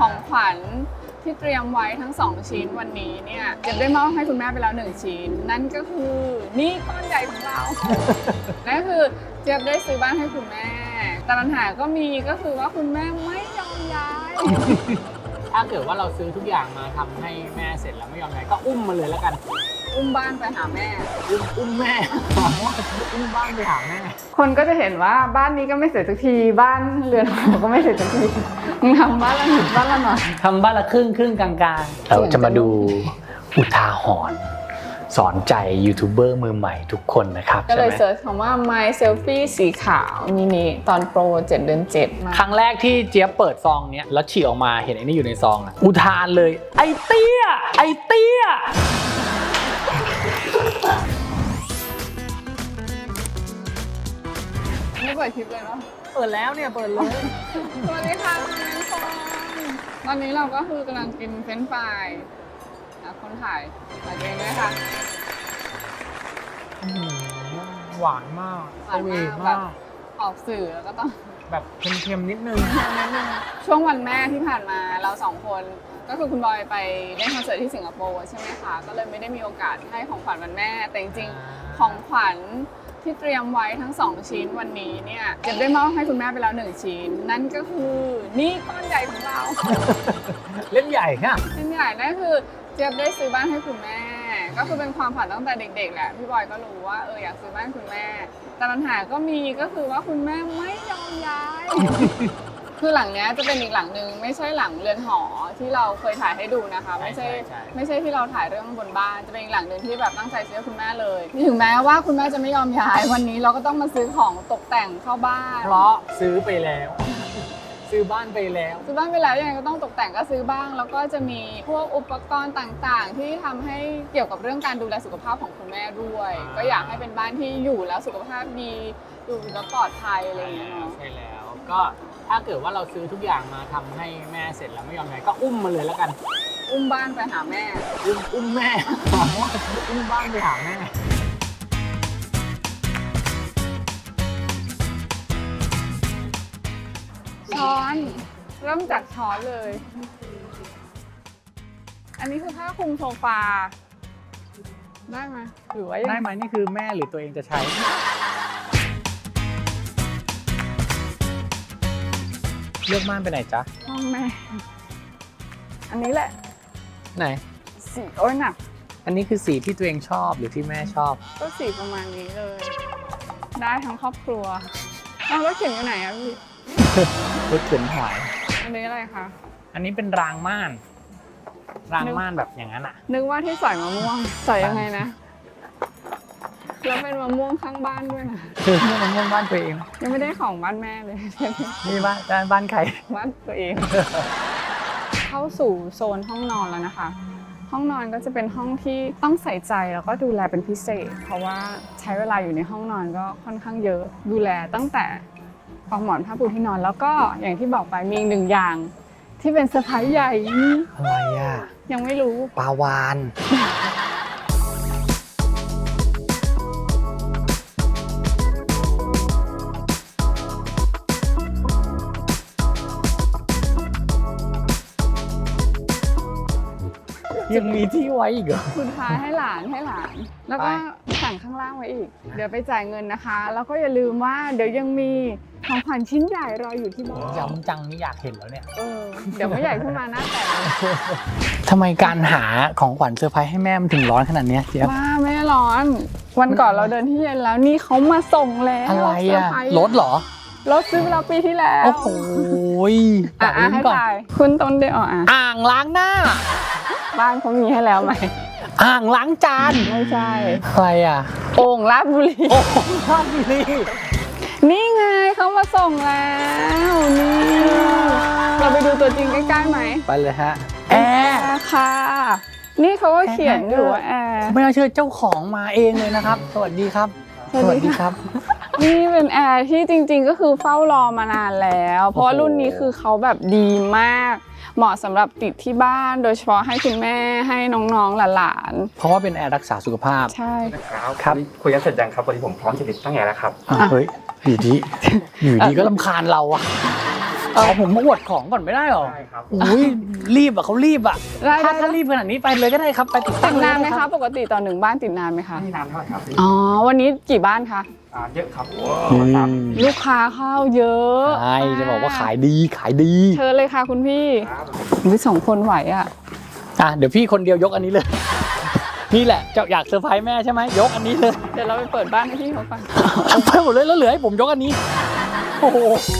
ของขวัญที่เตรียมไว้ทั้ง2ชิ้นวันนี้เนี่ยเจะได้มอบให้คุณแม่ไปแล้ว1ชิ้นนั่นก็คือนี่ก้อนใหญ่ของเรา นั่นคือเจี๊ยบได้ซื้อบ้านให้คุณแม่แต่ปัญหาก็มีก็คือว่าคุณแม่ไม่ยอมย้ายถ้าเกิดว่าเราซื้อทุกอย่างมาทำให้แม่เสร็จแล้วไม่ยอมย้ายก็อุ้มมาเลยแล้วกันอุ้มบ้านไปหาแม่อุ้มแม่ อุ้มบ้านไปหาแม่คนก็จะเห็นว่าบ้านนี้ก็ไม่เสร็จสักทีบ้านเรือนหอก็ไม่เสร็จสักทีมึงทำบ้านละนิดบ้านละหน่อยทำบ้านละครึ่งกลางๆเราจะมาดูอุทาหรณ์สอนใจยูทูบเบอร์มือใหม่ทุกคนนะครับก็เลยใช่ไหมเซิร์ชคำว่า My Selfie สีขาวมินิตอนโปร7 เดือน 7มาครั้งแรกที่เจี๊ยบเปิดซองเนี้ยแล้วฉีกออกมาเห็นไอ้นี่อยู่ในซองอะอุทานเลยไอ้เตี้ยไอ้เตี้ยไม่เปิดคลิปเลยเนาะเปิดแล้วเนี่ยเปิดเลยสวัสดีค่ะคุณผู้ชมตอนนี้เราก็คือกำลังกินเฟรนช์ฟรายคนถ่ายถ่ายเองด้วยค่ะหวานมากหวานมากแบบออกสื่อแล้วก็ต้องแบบเค็มๆนิดนึงช่วงวันแม่ที่ผ่านมาเรา2 คนก็คือคุณบอยไปเล่นคอนเสิร์ตที่สิงคโปร์ใช่ไหมคะก็เลยไม่ได้มีโอกาสให้ของขวัญวันแม่แต่จริงๆของขวัญที่เตรียมไว้ทั้ง2ชิ้นวันนี้เนี่ยเจะได้มอบให้คุณแม่ไปแล้ว1ชิ้นนั่นก็คือนี่ก้อนใหญ่ของเราเล่นใหญ่ค่ะเล่นใหญ่นั่นคือเจี๊ยบได้ซื้อบ้านให้คุณแม่ก็คือเป็นความฝันตั้งแต่เด็กๆแหละพี่บอยก็รู้ว่าอยากซื้อบ้านคุณแม่แต่ปัญหาก็มีก็คือว่าคุณแม่ไม่ยอมย้าย คือหลังเนี้ยจะเป็นอีกหลังนึงไม่ใช่หลังเรือนหอที่เราเคยถ่ายให้ดูนะคะไม่ใช่ที่เราถ่ายเรื่องบนบ้านจะเป็นอีกหลังนึงที่แบบตั้งใจซื้อให้คุณแม่เลยถึงแม้ว่าคุณแม่จะไม่ยอมย้ายวันนี้เราก็ต้องมาซื้อของตกแต่งเข้าบ้านเพราะซื้อไปแล้ว ซื้อบ้านไปแล้วซื้อบ้านไปแล้วยังไงก็ต้องตกแต่งก็ซื้อบ้างแล้วก็จะมีพวกอุปกรณ์ต่างๆ ที่ทำให้เกี่ยวกับเรื่องการดูแลสุขภาพของคุณแม่ด้วย ก็อยากให้เป็นบ้านที่อยู่แล้วสุขภาพดีอยู่แล้วปลอดภัยอะไรอย่างเงี้ยเนาะใช่แล้ว ก็ถ้าเกิดว่าเราซื้อทุกอย่างมาทำให้แม่เสร็จแล้วไม่ยอมย้ายก็อุ้มมาเลยแล้วกันอุ้มบ้านไปหาแม่อุ้มแม่ อุ้มบ้านไปหาแม่ช้อนเริ่มจากช้อนเลย อันนี้คือผ้าคลุมโซฟาได้ไหมหรือว่ายังได้ไหมนี่คือแม่หรือตัวเองจะใช้ เลือกม่านไปไหนจ๊ะห้องแม่ อันนี้แหละไหนสีโอ้ยหนักอันนี้คือสีที่ตัวเองชอบหรือที่แม่ชอบก็สีประมาณนี้เลย ได้ทั้งครอบครัวเอารถเข็นอยู่ไหนอะพี่รถเข็นหอยอันนี้อะไรคะอันนี้เป็นรางม่าน รางม่านแบบอย่างนั้นอ่ะนึกว่าที่สอยมะม่วงสอยยังไงนะ แล้วเป็นมะม่วงข้างบ้านด้วยนะคือนี่มันม่วงบ้านตัวเองยังไม่ได้ของบ้านแม่เลยนี่บ้านใครบ้านตัวเอง เข้าสู่โซนห้องนอนแล้วนะคะ ห้องนอนก็จะเป็นห้องที่ต้องใส่ใจแล้วก็ดูแลเป็นพิเศษ เพราะว่าใช้เวลาอยู่ในห้องนอนก็ค่อนข้างเยอะ ดูแลตั้งแต่ปลอกหมอนผ้าปูที่นอน แล้วก็อย่างที่บอกไปมีอีก1 อย่าง ที่เป็นเซอร์ไพรส์ใหญ่อะไรอ่ะยังไม่รู้ปลาวาน ยังมีที่ไว้อีกเหรอสุดท้ายให้หลาน แล้วก็สั่งข้างล่างไว้อีก เดี๋ยวไปจ่ายเงินนะคะ แล้วก็อย่าลืมว่าเดี๋ยวยังมีของขวัญชิ้นใหญ่รออยู่ที่บ้านย้ำจังนี่อยากเห็นแล้วเนี่ยเดี๋ยวไม่ใหญ่ขึ้นมาหน้าแตกเลยทำไมการหาของขวัญเซอร์ไพรส์ให้แม่มันถึงร้อนขนาดเนี้ยเจี๊ยบว่าไม่ร้อน วันก่อนเราเดินที่เย็นแล้วนี่เขามาส่งแล้วอะไรเซอ่ะไพส์รถเหรอรถซื้อไปแล้วปีที่แล้วโอ้โหตัดอ่ะลิ้นให้ก่อนถ่ายคุณต้นเดียวอ่ะอ่างล้างหน้าบ้านเขามีให้แล้วไหมอ่างล้างจานไม่ใช่อะไรอ่ะโอ่งลาดบุรีโอ้โหภาพนี้นี่ไงเขามาส่งแล้วนี่เราไปดูตัวจริงใกล้ๆไหมไปเลยฮะ แอร์ค่ะ นี่เขาก็เขียนอยู่ว่าแอร์ไม่น่าเชื่อเจ้าของมาเองเลยนะครับ สวัสดีครับสวัสดีครับ นี่เป็นแอร์ที่จริงๆก็คือเฝ้ารอมานานแล้ว เพราะว่ารุ่นนี้คือเขาแบบดีมาก เหมาะสำหรับติดที่บ้านโดยเฉพาะให้คุณแม่ให้น้องๆหลานเพราะว่าเป็นแอร์รักษาสุขภาพๆใช่ครับคุยกันเสร็จยังครับวันนี้ผมพร้อมจะติดตั้งแอร์แล้วครับเฮ้ยอยู่ดีก็รำคาญเราอะผมมาอวดของก่อนไม่ได้หรอได้ครับอุ้ยรีบอ่ะเขารีบอ่ะได้ถ้ารีบขนาดนี้ไปเลยก็ได้ครับไปติดติตั้งดเลยนานไหมก็ด้คะรับปกติต่อ1บ้านติดนานไหมคะไม่นานเท่าไหร่ครับอ๋อวันนี้กี่บ้านคะเยอะครับลูกค้าเข้าเยอะใช่จะบอกว่าขายดีขายดีเชิญเลยค่ะคุณพี่ครับอุ๊ย2 คนไหวอ่ะเดี๋ยวพี่คนเดียวยกอันนี้เลย นี่แหละเจ้าอยากเซอร์ไพรส์แม่ใช่ไหมยกอันนี้เลยเดี๋ยวเราไปเปิดบ้านให้พี่เขาก่อนไปหมดเลยแล้วเหลือให้ผมยกอันนี้โอ้โห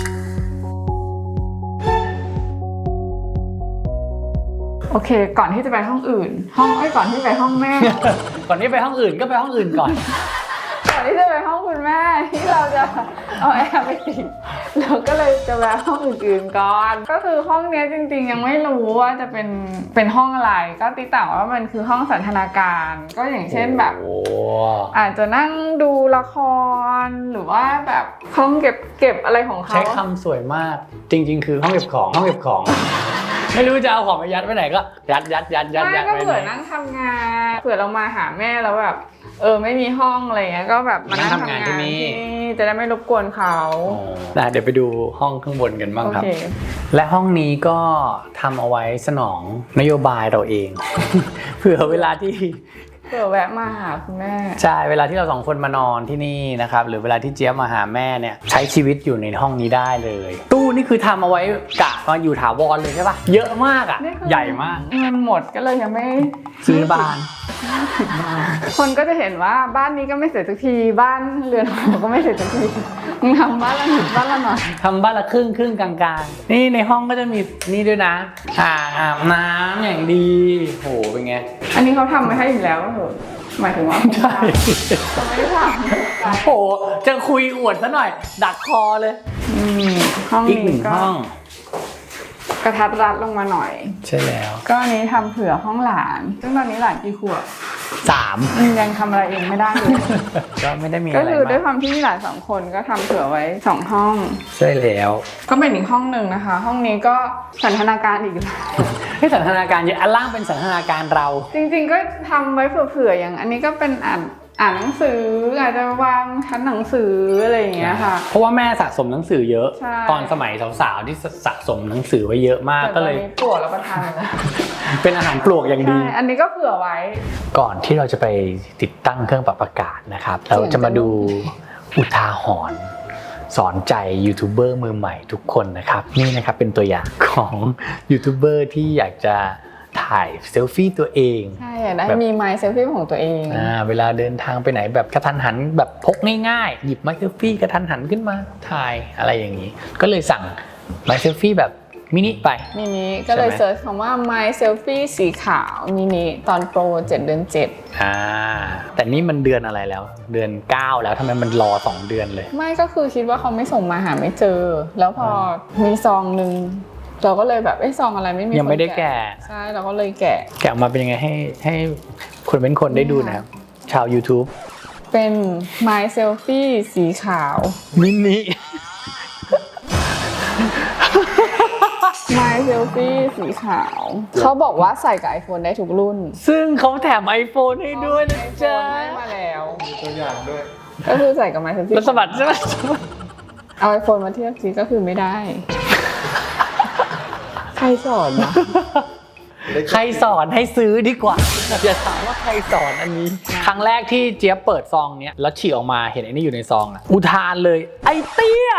โอเค ก่อนที่จะไปห้องอื่น ก่อนที่ไปห้องแม่ก่อนนี้ไปห้องอื่นก็ไปห้องอื่นก่อนก่อนที่จะไปห้องคุณแม่ที่เราจะเอาแอร์ไปติดเราก็เลยจะแวะห้องอื่นๆก่อน ก็คือห้องเนี้ยจริงๆยังไม่รู้ว่าจะเป็นห้องอะไร ก็ติดต่างว่ามันคือห้องสันทนาการ ก็อย่างเช่นแบบโอ้อาจจะนั่งดูละครหรือว่าแบบห้องเก็บอะไรของเขาใช้คำสวยมาก จริง ๆ คือห้องเก็บของ ไม่รู้จะเอาของไปยัดไว้ไหนก็ยัดไม่ก็ไว้เผื่อไหนนั่งทำงานเผื่อเรามาหาแม่แล้วแบบไม่มีห้องอะไรเงี้ยก็แบบมานั่งทำงานที่นี่จะได้ไม่รบกวนเขาเดี๋ยวไปดูห้องข้างบนกันบ้างโอครับเคและห้องนี้ก็ทำเอาไว้สนองนโยบายเราเอง เผื่อเวลาที่เผื่อแวะมาหาคุณแม่ใช่เวลาที่เรา2 คนมานอนที่นี่นะครับหรือเวลาที่เจี๊ยบมาหาแม่เนี่ยใช้ชีวิตอยู่ในห้องนี้ได้เลย ตู้นี่คือทำเอาไว้กะมาอยู่ถาวรเลยใช่ปะเยอะมากอ่ะนี่คือใหญ่มากเงินหมดก็เลยยังไม่ซื้อบ้านคนก็จะเห็นว่าบ้านนี้ก็ไม่เสร็จสักทีบ้านเรือนหอก็ไม่เสร็จสักทีมึงทำบ้านละนิดบ้านละหน่อยทำบ้านละครึ่งกลางๆนี่ในห้องก็จะมีนี่ด้วยนะอาบน้ำอย่างดีโหเป็นไงอันนี้เขาทำไว้ให้อยู่แล้วเหรอหมายถึงว่าใช่เขาไม่ได้ทำโหจะคุยอวดซะหน่อย ดักคอเลยห้องอีกนี้ 1 ก็ห้องกระทัดรัดลงมาหน่อยใช่แล้วก็อันนี้ทำเผื่อห้องหลาน ซึ่งตอนนี้หลานกี่ขวบ 3 ยังทำอะไรเองไม่ได้เลยก็ไม่ได้มีอะไรก็คือด้วยคมากวามที่มีหลาน2 คนก็ทำเผื่อไว้2 ห้องใช่แล้วก็เป็นอีกห้องหนึ่งนะคะ ห้องนี้ก็สันทนาการอีกแล้วให้สันทนาการเยอะอันล่างเป็นสันทนาการเราจริงๆก็ทำไว้เผื่อๆอย่างอันนี้ก็เป็นอ่านหนังสืออาจจะวางชั้นหนังสืออะไรอย่างเงี้ยค่ะเพราะว่าแม่สะสมหนังสือเยอะใช่ตอนสมัยสาวๆที่สะสมหนังสือไว้เยอะมากแต่ตก็อนเลยนี้ปวดแล้วก็ทานแล้วเป็นอาหารปลวกอย่างดีใช่อันนี้ก็เผื่อไว้ก่อนที่เราจะไปติดตั้งเครื่องปรับอากาศนะครับ เราจะมาดูอุทาหรณ์สอนใจยูทูบเบอร์มือใหม่ทุกคนนะครับนี่นะครับเป็นตัวอย่างของยูทูบเบอร์ที่อยากจะถ่ายเซลฟี่ตัวเองใช่ได้มีไมค์เซลฟี่ของตัวเองเวลาเดินทางไปไหนแบบกระทันหันแบบพกง่ายๆหยิบไมค์เซลฟี่กระทันหันขึ้นมาถ่ายอะไรอย่างนี้ ก็เลยสั่งไมค์เซลฟี่แบบมินิไปมินิก็เลยใช่ไหมเซิร์ชคำว่า My Selfie สีขาวมินิตอนโปร7 เดือน 7 แต่นี่มันเดือนอะไรแล้วเดือน 9 แล้วทำไมมันรอ2 เดือนเลยไม่ก็คือคิดว่าเขาไม่ส่งมาหาไม่เจอ แล้วพอมีซองหนึ่งเราก็เลยแบบซองอะไรไม่มียังไม่ได้แกะใช่เราก็เลยแกะแกะออกมาเป็นยังไงให้คนเป็นคนได้ดูนะครับชาว YouTube เป็น My Selfie สีขาวมินิ My Selfie สีขาว เขาบอกว่าใส่กับ iPhone ได้ทุกรุ่นซึ่งเขาแถม iPhone ให้ด้วยนะจ๊ะให้มาแล้วมีตัวอย่างด้วยก็คือใส่กับ My Selfie แล้วสะบัดใช่ไหมเอา iPhone มาเทียบสิก็คือไม่ได้ ใครสอนนะใครสอนให้ซื้อดีกว่าอย่าถามว่าใครสอนอันนี้ ครั้งแรกที่เจี๊ยบเปิดซองเนี้ยแล้วฉีกออกมาเห็นไอ้นี่อยู่ในซองอ่ะอุทานเลยไอเตี้ย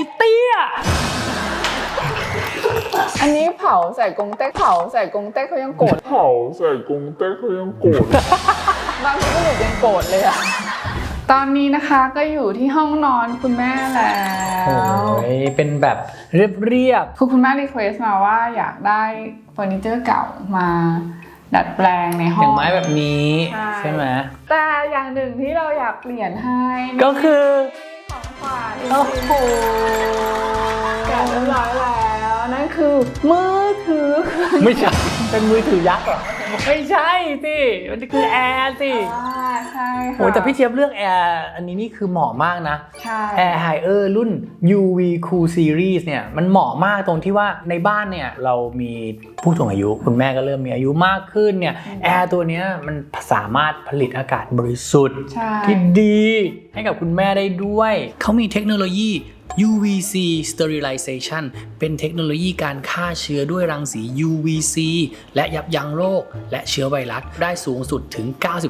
อันนี้เผาใส่กงเต็กเขายังโกรธเผาใส่กรุงเต้เขายังโกรธบางทีก็ยังโกรธเลยอะตอนนี้นะคะก็อยู่ที่ห้องนอนคุณแม่แล้วโอ้ยเป็นแบบเรียบคือคุณแม่รีเควสมาว่าอยากได้เฟอร์นิเจอร์เก่ามาดัดแปลงในๆห้อองย่างไม้แบบนี้ใช่ใช่ไหมแต่อย่างหนึ่งที่เราอยากเปลี่ยนให้ก็คือของขวัญโอ้โหแกะเรียบร้อยแล้วนั่นคือมือถือไม่ใช่เป็นมือถือยักษ์เหรอไม่ใช่สิมันคือแอร์สิใช่ค่ะโอ้แต่พี่เทียบเลือกแอร์อันนี้นี่คือเหมาะมากนะใช่ Air Higher รุ่น UV Cool Series เนี่ยมันเหมาะมากตรงที่ว่าในบ้านเนี่ยเรามีผู้สูงอายุคุณแม่ก็เริ่มมีอายุมากขึ้นเนี่ยแอร์ตัวเนี้ยมันสามารถผลิตอากาศบริสุทธิ์ใช่ที่ดีให้กับคุณแม่ได้ด้วย เขามีเทคโนโลยี UVC Sterilization เป็นเทคโนโลยีการฆ่าเชื้อด้วยรังสี UVC และยับยั้งโรคและเชื้อไวรัสได้สูงสุดถึง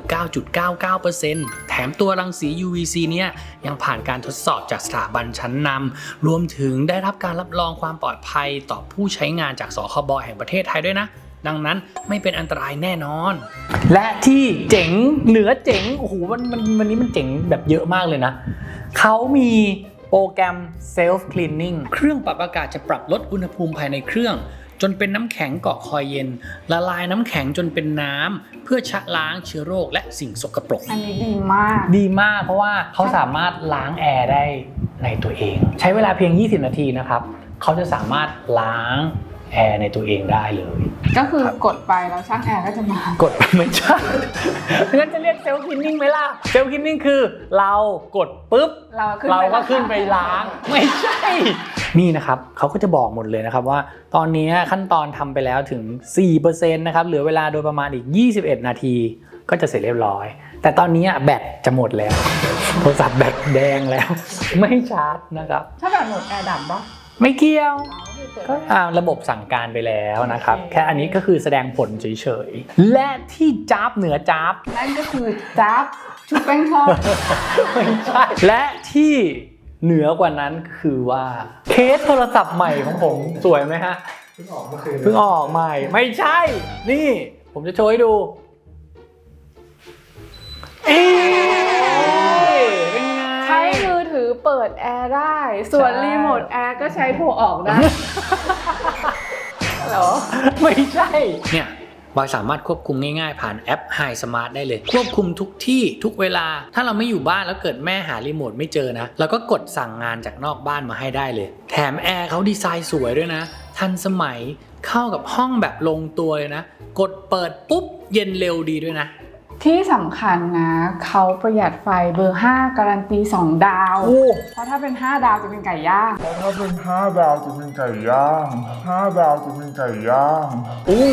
99.99% แถมตัวรังสี UVC เนี่ยยังผ่านการทดสอบจากสถาบันชั้นนำรวมถึงได้รับการรับรองความปลอดภัยต่อผู้ใช้งานจากสคบ.แห่งประเทศไทยด้วยนะดังนั้นไม่เป็นอันตรายแน่นอนและที่เจ๋งเหนือเจ๋งโอ้โหวันนี้มันเจ๋งแบบเยอะมากเลยนะเขามีโปรแกรม Self Cleaning เครื่องปรับอากาศจะปรับลดอุณหภูมิภายในเครื่องจนเป็นน้ำแข็งเกาะคอยเย็นละลายน้ำแข็งจนเป็นน้ำเพื่อชะล้างเชื้อโรคและสิ่งสกปรกอันนี้ดีมากดีมากเพราะว่าเขาสามารถล้างแอร์ได้ในตัวเองใช้เวลาเพียง20 นาทีนะครับเขาจะสามารถล้างแอร์ในตัวเองได้เลยก็คือกดไปแล้วช่างแอร์ก็จะมากดไม่ใช่งั้นจะเรียกเซลฟ์คลีนนิ่งไหมล่ะเซลฟ์คลีนนิ่งคือเรากดปุ๊บเราก็ขึ้นไปล้างไม่ใช่นี่นะครับเขาก็จะบอกหมดเลยนะครับว่าตอนนี้ขั้นตอนทำไปแล้วถึง 4% นะครับเหลือเวลาโดยประมาณอีก21 นาทีก็จะเสร็จเรียบร้อยแต่ตอนนี้แบตจะหมดแล้วโทรศัพท์แบตแดงแล้วไม่ชาร์จนะครับถ้าแบตหมดแอร์ดับปะไม่เกี่ยวก็ระบบสั่งการไปแล้วนะครับแค่อันนี้ก็คือแสดงผลเฉยๆและที่จ๊าบเหนือจ๊าบนั่นก็คือจ๊าบชุบแป้งทอดไม่ใช่และที่เหนือกว่านั้นคือว่าเคสโทรศัพท์ใหม่ของผมสวยไหมฮะเพิ่งออกใหม่ไม่ใช่นี่ผมจะโชว์ให้ดูเป็นไงใช้มือถือเปิดแอร์ได้ส่วนรีโมทแอร์ก็ใช้โทรออกได้เหรอไม่ใช่เนี่ยบอยสามารถควบคุมง่ายๆผ่านแอป Hi Smart ได้เลยควบคุมทุกที่ทุกเวลาถ้าเราไม่อยู่บ้านแล้วเกิดแม่หารีโมทไม่เจอนะเราก็กดสั่งงานจากนอกบ้านมาให้ได้เลยแถมแอร์เขาดีไซน์สวยด้วยนะทันสมัยเข้ากับห้องแบบลงตัวเลยนะกดเปิดปุ๊บเย็นเร็วดีด้วยนะที่สำคัญนะเขาประหยัดไฟเบอร์5การันตี2 ดาวเพราะถ้าเป็น5 ดาวจะเป็นไก่ย่าง 5 ดาวจะเป็นไก่ย่าง5 ดาวจะเป็นไก่ย่างโอ้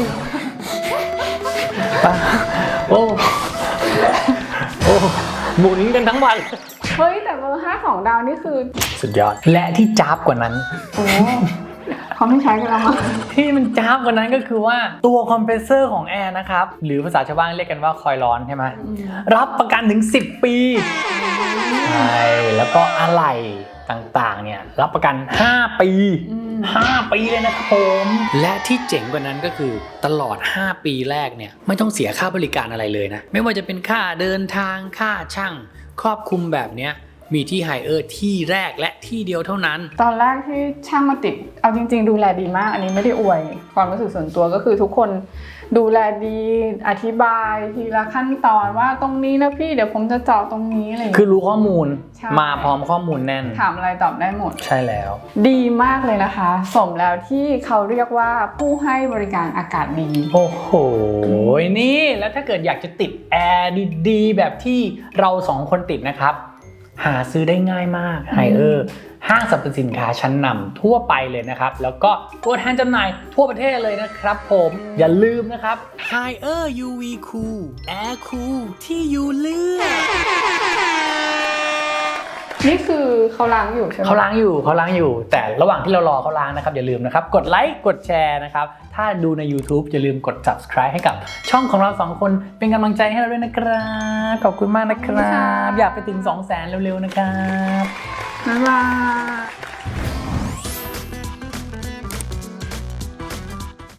หมุนกันทั้งวันเฮ้ยแต่เบอร์5 2 ดาวนี่คือสุดยอดและที่จ๊าบกว่านั้นโอ้เขาไม่ใช้กันแล้วมั้งที่มันจ้าบกว่านั้นก็คือว่าตัวคอมเพรสเซอร์ของแอร์นะครับหรือภาษาชาวบ้านเรียกกันว่าคอยล์ร้อนใช่ไหมรับประกันถึง10 ปีใช่แล้วก็อะไหล่ต่างๆเนี่ยรับประกัน5 ปีเลยนะครับผมและที่เจ๋งกว่านั้นก็คือตลอด5 ปีแรกเนี่ยไม่ต้องเสียค่าบริการอะไรเลยนะไม่ว่าจะเป็นค่าเดินทางค่าช่างครอบคลุมแบบเนี้ยมีที่ไฮเออร์ที่แรกและที่เดียวเท่านั้นตอนแรกที่ช่างมาติดเอาจริงๆดูแลดีมากอันนี้ไม่ได้อวยความรู้สึกส่วนตัวก็คือทุกคนดูแลดีอธิบายทีละขั้นตอนว่าตรงนี้นะพี่เดี๋ยวผมจะเจาะตรงนี้อะไรคือรู้ข้อมูลมาพร้อมข้อมูลแน่นถามอะไรตอบได้หมดใช่แล้วดีมากเลยนะคะสมแล้วที่เขาเรียกว่าผู้ให้บริการอากาศดีโอ้โหนี่แล้วถ้าเกิดอยากจะติดแอร์ดีๆแบบที่เรา2 คนติดนะครับหาซื้อได้ง่ายมากไฮเออร์ห้างสรรพสินค้าชั้นนำทั่วไปเลยนะครับแล้วก็ตัวแทนจำหน่ายทั่วประเทศเลยนะครับผมอย่าลืมนะครับ Haier UV Cool Air Cool ที่อยู่เลือกนี่คือเขาล้างอยู่ใช่ไหมเขาล้างอยู่แต่ระหว่างที่เรารอเขาล้างนะครับอย่าลืมนะครับกดไลค์กดแชร์นะครับถ้าดูใน YouTube อย่าลืมกด Subscribe ให้กับช่องของเรา2 คนเป็นกำลังใจให้เราด้วยนะครับขอบคุณมากนะครับอยากไปถึง 200,000 เร็วๆนะครับบ๊ายบาย